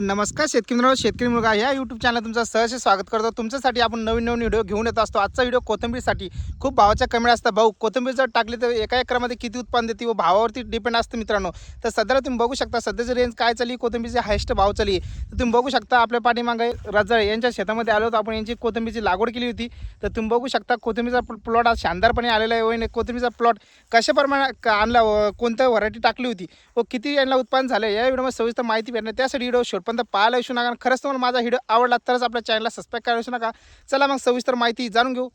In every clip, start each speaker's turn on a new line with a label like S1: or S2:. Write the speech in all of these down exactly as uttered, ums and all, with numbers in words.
S1: नमस्कार शेतकरी मित्रांनो, शेतकरी मुलगा या यूट्यूब चॅनल तुमचं सहर्ष स्वागत करतो। तुमच्यासाठी आपण नवीन नवीन व्हिडिओ घेऊन येत असतो। आजचा व्हिडिओ कोथिंबीरसाठी खूप भावाच्या कमी असतात। भाऊ कोथिंबीर जर टाकली तर एका एकरामध्ये किती उत्पन्न देते व भावावरती डिपेंड असतं मित्रांनो। तर सध्याला तुम्ही बघू शकता सध्याची रेंज काय चालली, कोथिंबीरची हायस्ट भाव चालली तर तुम्ही बघू शकता। आपल्या पाठीमागे रजाळे यांच्या शेतामध्ये आलो होतो आपण, यांची कोथिंबीरची लागवड केली होती। तर तुम्ही बघू शकता कोथिंबीरचा प्लॉट आज शानदारपणे आलेला आहे। व कोथिंबीरचा प्लॉट कशा प्रमाणात आणला, कोणत्या व्हरायटी टाकली होती व किती यांना उत्पन्न झालं या व्हिडिओमध्ये सविस्तर माहिती भेटणार। त्यासाठी व्हिडिओ शेवटपर्यंत पाहायला विसरू नका। खरंच तुम्हाला माझा व्हिडिओ आवडला तरच आपल्या चॅनलला सबस्क्राइब करायला विसरू नका। चला मग सविस्तर माहिती जाणून घेऊ।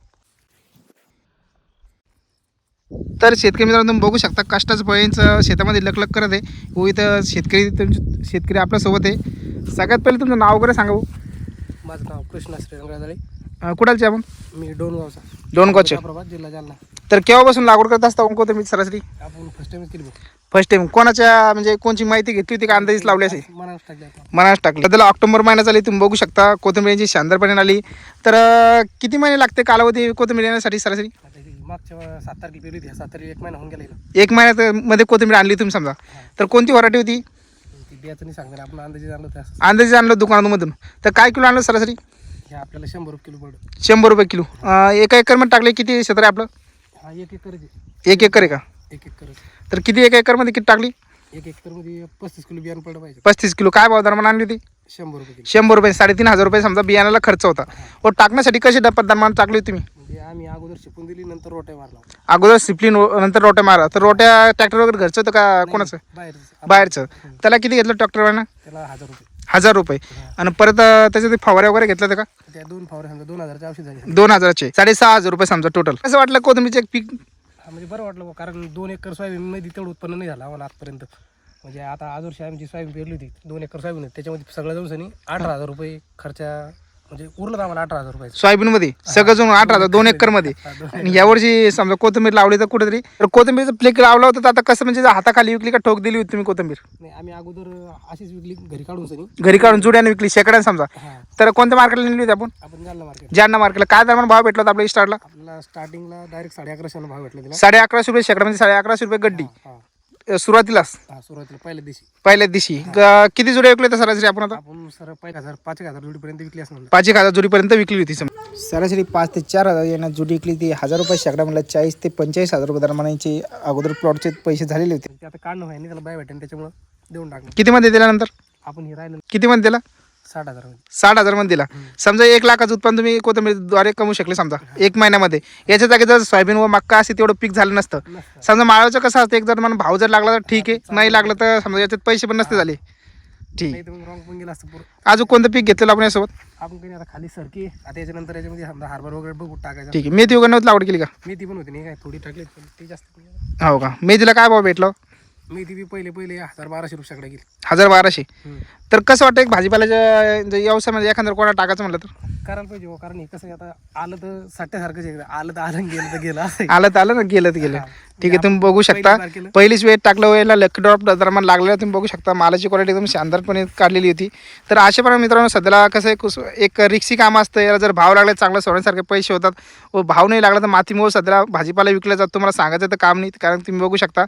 S1: तर शेतकरी मित्रांनो, तुम्ही बघू शकता कष्टाचं फळांचं शेतामध्ये लकलक करत आहे व इथं शेतकरी तुमचे शेतकरी आपल्यासोबत आहे। सगळ्यात पहिले तुमचं नाव वगैरे सांगा भाऊ।
S2: माझं नाव कृष्णा श्रीरंग रजाळे।
S1: कुठालचे आपण?
S2: मी डोनगावचा
S1: डोनगावचे।
S2: प्रभात जिल्हा जालना।
S1: तर केव्हापासून लागवड करत असता कोथिंबीर सरासरी?
S2: आपण फर्स्ट टाइम केली
S1: फर्स्ट टाइम कोणाच्या म्हणजे कोणची माहिती घेतली होती का अंदाजीच लावली असेल?
S2: मनास टाकली आपण।
S1: मनास टाकली। सध्याला ऑक्टोबर महिना चालली, तुम्ही बघू शकता कोथिंबीरची शानदारपणे आली। तर किती महिने लागते कालावधी कोथिंबीर येण्यासाठी सरासरी?
S2: आता ही मागच्या सात तारखेला पेरली होती, सात तारखेला एक महिना होऊन गेला हिला।
S1: एक महिन्यात मध्ये कोथिंबीर आणली तुम्ही समजा। तर कोणती व्हरायटी होती?
S2: ती बियाचं नाही सांगणार, आपण अंदाजे आणलं त्या
S1: अंदाजे आणलं दुकानामधून। तर काय किलो आणलं सरासरी?
S2: हे आपल्याला शंभर रुपये किलो पडलं।
S1: शंभर रुपये किलो। एका एकरमध्ये टाकले किती क्षेत्र आहे आपलं?
S2: हा एक एकर आहे,
S1: एक एकर आहे का?
S2: एक एकर
S1: तर किती एका एकरमध्ये किती टाकली?
S2: एक एकर मध्ये पस्तीस किलो बियाणं पडलं पाहिजे।
S1: पस्तीस किलो। काय भाव दरम्यान आणली होती?
S2: शंभर रुपये किलो।
S1: शंभर रुपये, साडेतीन हजार रुपये समजा बियाणाला खर्च होता। व टाकण्यासाठी कशी पद्धत टाकली होती तुम्ही?
S2: म्हणजे आम्ही अगोदर शिकून दिली, नंतर रोट्या मारला।
S1: अगोदर सिप्लिन नंतर रोट्या मारा। तर रोट्या ट्रॅक्टर वगैरे घरचं होतं का कोणाचं?
S2: बाहेर
S1: बाहेरचं। त्याला किती घेतलं ट्रॅक्टरवाल्यानं?
S2: त्याला हजार रुपये
S1: हजार रुपये। आणि परत त्याच्यात फवारे वगैरे घेतलं होतं का?
S2: त्या दोन फवारे समजा दोन हजारचे औषध झाले।
S1: दोन हजाराचे साडेसहा हजार रुपये समजा टोटल। कसं वाटलं कोथिंबीरचे एक पीक?
S2: हा म्हणजे बरं वाटलं बुवा, कारण दोन एकर सोयाबीन मध्ये तेवढं उत्पन्न नाही झालं आम्हाला आजपर्यंत। म्हणजे आता आज वर्षी आमची सोयाबीन पेरली होती, दोन एकर सोयाबीन होती, त्याच्यामध्ये सगळं जाऊन सनी अठरा हजार रुपये खर्चा म्हणजे उरलं आम्हाला अठरा हजार रुपये
S1: सोयाबीन मध्ये सगळं जण अठरा हजार दोन एकर मध्ये। आणि यावर्षी समजा कोथिंबीर लावली तर कुठेतरी तर कोथिंबीरचं फ्लेक लावला होता, तर आता कसं म्हणजे हाताखाली विकली का ठोक दिली होती तुम्ही कोथिंबीर?
S2: नाही, आम्ही अगोदर अशीच विकली घरी काढून सनी,
S1: घरी काढून जुड्याने विकली शेकड्याने समजा।
S2: हा
S1: तर कोणत्या मार्केटला नेली होती आपण?
S2: आपण जालना मार्केट
S1: जालना मार्केटला। काय दरम्यान भाव भेटला होता आपल्या स्टार्टला?
S2: आपल्याला स्टार्टिंगला डायरेक्ट साडे अकराशे भाव भेटला तिला।
S1: साडे अकराशे रुपये शेकडा म्हणजे साडे अकराशे रुपये गड्डी
S2: हा
S1: सुरुवातीलाच
S2: हा सुरुवातीला पहिल्या दिवशी
S1: पहिल्याच दिवशी। ग- किती जुड्या विकले तर सरासरी आपण? आता
S2: आपण सर पाच हजार पाच एक हजार जोडीपर्यंत विकली असणार।
S1: पाच एक हजार जुडीपर्यंत विकली होती सरासरी। पाच ते चार हजार यांना जुडी विकली ती। हजार रुपये शेकडा म्हणलं चाळीस ते पंचेचाळीस हजार रुपये दरम्यानचे अगोदर प्लॉटचे पैसे झालेले होते।
S2: ते आता काढणं व्हाय नाही, त्याला बाय भेटेल त्याच्यामुळे देऊन टाकलं
S1: किती मध्ये दिल्यानंतर?
S2: आपण हे राहिलं
S1: किती मध्ये दिला?
S2: साठ हजार मध्ये।
S1: साठ हजार मध्ये दिला। समजा एक लाखाचं उत्पन्न तुम्ही कोथिंबीरद्वारे कमवू शकले समजा एक महिन्यामध्ये। याच्या जागी जर सोयाबीन व मक्का असे तेवढं पीक झालं नसतं
S2: नसतं।
S1: समजा। माळाचं कसं असतं, एक जर मला भाव जर लागला तर ठीक आहे, नाही लागलं तर समजा याच्यात पैसे पण नसते झाले ठीक।
S2: नाही तर मग रॉंग पण गेला असतं पूर्ण।
S1: अजून कोणतं पीक घेतलेलं आपण यासोबत?
S2: आपण काही आता खाली सरकी आता याच्यानंतर याच्यामध्ये समजा हार्बर वगैरे बघू टाकायचं।
S1: ठीक आहे। मेथी वगैरे नव्हती लागवड केली का?
S2: मेथी पण होती, नाही काय थोडी टाकली पण ती जास्त नाही।
S1: हो का? मेथीला काय भाव भेटला?
S2: मेथी बी पहिले पहिले हजार बाराशे रुपयाकडे गेली।
S1: हजार बाराशे। तर कसं वाटतं एक भाजीपाल्याच्या व्यवसायामध्ये एखादं कोणा टाकायचं म्हटलं तर?
S2: करायला पाहिजे हो, कारण हे कसं आहे, आता आलं तर साठ्यासारखंच आहे, आलं तर आलं गेलं तर गेलं असं आहे।
S1: आलं तर आलं ना, गेलं तर गेलं। ठीक आहे। तुम्ही बघू शकता
S2: पहिली बार केलं।
S1: पहिलीच वेळ टाकलं वेळेला लकी ड्रॉप दरम्यान लागलेला तुम्ही बघू शकता। मालाची क्वालिटी एकदम शानदारपणे काढलेली होती। तर अशाप्रमाणे मित्रांनो सध्याला कसं आहे, कुस एक रिक्सी काम असतं। याला जर भाव लागला चांगला सोडण्यासारखे पैसे होतात व भाव नाही लागला तर मातीमुळे सध्याला भाजीपाला विकला जातो। तुम्हाला सांगायचं तर काम नाही, कारण तुम्ही बघू शकता।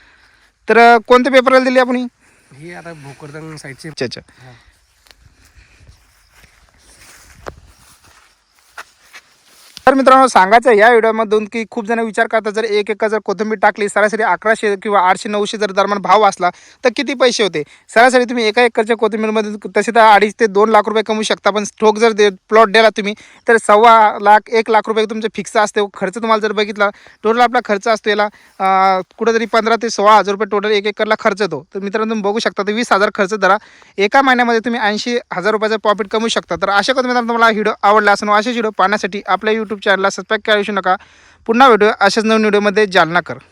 S1: तर कोणत्या पेपरला दिली आपण ही?
S2: हे आता भोकरदन साईडचे।
S1: अच्छा अच्छा। तर मित्रांनो सांगायचं या व्हिडिओमधून की खूप जण विचार करतात, जर एक एकर जर कोथिंबीर टाकली सरासरी अकराशे किंवा आठशे नऊशे जर दरम्यान भाव असला तर किती पैसे होते? सरासरी तुम्ही एका एकरच्या कोथिंबीरमध्ये तसे तर अडीच ते दोन लाख रुपये कमवू शकता। पण स्टोक जर दे प्लॉट दिला तुम्ही तर सव्वा लाख एक लाख रुपये तुमचे फिक्स असते। खर्च तुम्हाला जर बघितला टोटल आपला खर्च असतो याला कुठेतरी पंधरा ते सोळा हजार रुपये टोटल एक एकरला खर्च येतो। तर मित्रांनो तुम्ही बघू शकता तर वीस हजार खर्च धरा, एका महिन्यामध्ये तुम्ही ऐंशी हजार रुपयाचा प्रॉफिट कमवू शकता। तर अशा करून मित्रांनो तुम्हाला व्हिडिओ आवडला असेल, असेच व्हिडिओ पाहण्यासाठी आपल्या यूट्यूब चॅनलला सबस्क्राईब करायला विसरू नका। पुन्हा व्हिडिओ अशाच नवीन व्हिडिओमध्ये जालना कर।